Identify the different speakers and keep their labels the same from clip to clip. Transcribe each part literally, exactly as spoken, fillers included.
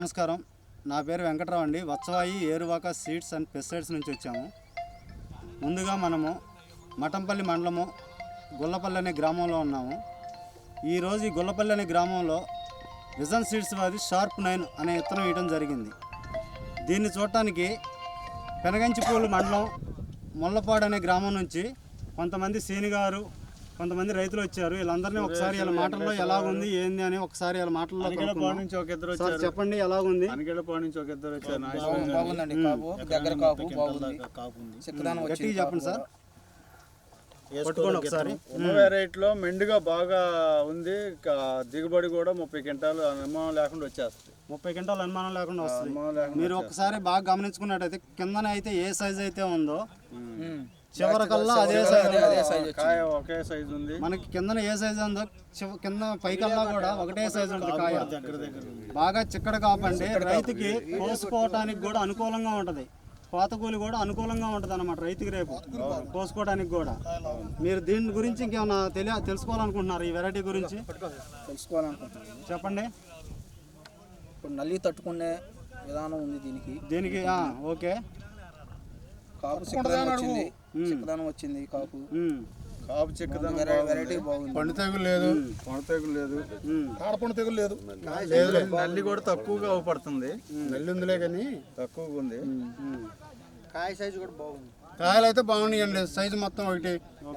Speaker 1: నమస్కారం, నా పేరు వెంకట్రావు అండి. Vatsavayi Eruvaka seeds and pesticides నుంచి వచ్చాము. ముందుగా మనము మఠంపల్లి మండలము గుల్లపల్లి అనే గ్రామంలో ఉన్నాము. ఈరోజు ఈ గుల్లపల్లి అనే గ్రామంలో విజన్ సీడ్స్ వారి షార్ప్ నైన్ అనే విత్తనం వేయడం జరిగింది. దీన్ని చూడటానికి పెనగంచిపూలు మండలం ముల్లపాడు అనే గ్రామం నుంచి కొంతమంది సీనిగారు కొంతమంది రైతులు వచ్చారు. వీళ్ళందరినీ ఒకసారి ఇలా మాటల్లో ఎలాగుంది ఏంది అని ఒకసారి ఇలా మాటల్లో
Speaker 2: నుంచి ఒక ఇద్దరు వచ్చారు.
Speaker 1: చెప్పండి ఎలాగుంది.
Speaker 2: అనిగడపాడు నుంచి ఒక ఇద్దరు వచ్చారు.
Speaker 3: బాగుందండి, కాపు దగ్గర కాపు బాగుంది. చిక్కదనం
Speaker 1: గట్టిగా చెప్పండి సార్, పట్టుకోండి ఒకసారి.
Speaker 2: రేట్లో మెండుగా బాగా ఉంది. దిగుబడి కూడా ముప్పై క్వింటాలు అనుమానం లేకుండా వచ్చేస్తుంది.
Speaker 1: ముప్పై క్వింటాలు అనుమానం లేకుండా వస్తుంది. మీరు ఒకసారి బాగా గమనించుకున్నట్టయితే కిందన అయితే ఏ సైజ్ అయితే ఉందో చివరికల్లా అదే సైజ్
Speaker 2: ఒకే సైజ్ ఉంది.
Speaker 1: మనకి కిందన ఏ సైజ్ ఉందో కింద పైకల్లా కూడా ఒకటే సైజ్ ఉంటుంది. కాయ బాగా చిక్కడ కాపండి రైతుకి కోసుకోవటానికి కూడా అనుకూలంగా ఉంటుంది. కోతకూలి కూడా అనుకూలంగా ఉంటుంది అన్నమాట రైతుకి రేపు కోసుకోవడానికి కూడా. మీరు దీని గురించి ఇంకేమైనా తెలియ తెలుసుకోవాలనుకుంటున్నారు ఈ వెరైటీ గురించి
Speaker 3: తెలుసుకోవాలనుకుంటున్నారు?
Speaker 1: చెప్పండి.
Speaker 3: ఇప్పుడు నల్లి తట్టుకునే విధానం ఉంది దీనికి.
Speaker 1: దీనికి ఓకే.
Speaker 3: కాపు చిక్కదనం వచ్చింది, చిక్కదనం వచ్చింది కాపు.
Speaker 2: కాపు చిక్కదనం
Speaker 3: వెరైటీ బాగుంది.
Speaker 2: పండు తెగులు లేదు, పండు తెగులు లేదు,
Speaker 1: కాడపండు తెగులు లేదు.
Speaker 2: నల్లి కూడా తక్కువగా అవపడుతుంది.
Speaker 1: నల్లి ఉందిలే కానీ
Speaker 2: తక్కువగా ఉంది.
Speaker 3: కాయ సైజు కూడా బాగుంది.
Speaker 1: కాయలు అయితే బాగున్నాయండి. సైజు మొత్తం ఒకటి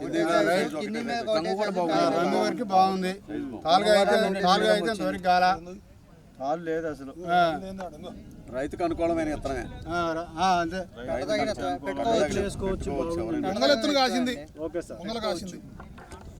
Speaker 1: రంగు వరకు బాగుంది. తాలుగా అయితే తాలుగా అయితే దొరికి గాల
Speaker 2: తాలు లేదు అసలు.
Speaker 4: రైతుకు అనుకూలమైన విత్తనమే.
Speaker 1: అంతే
Speaker 3: వేసుకోవచ్చు.
Speaker 1: Okay sir.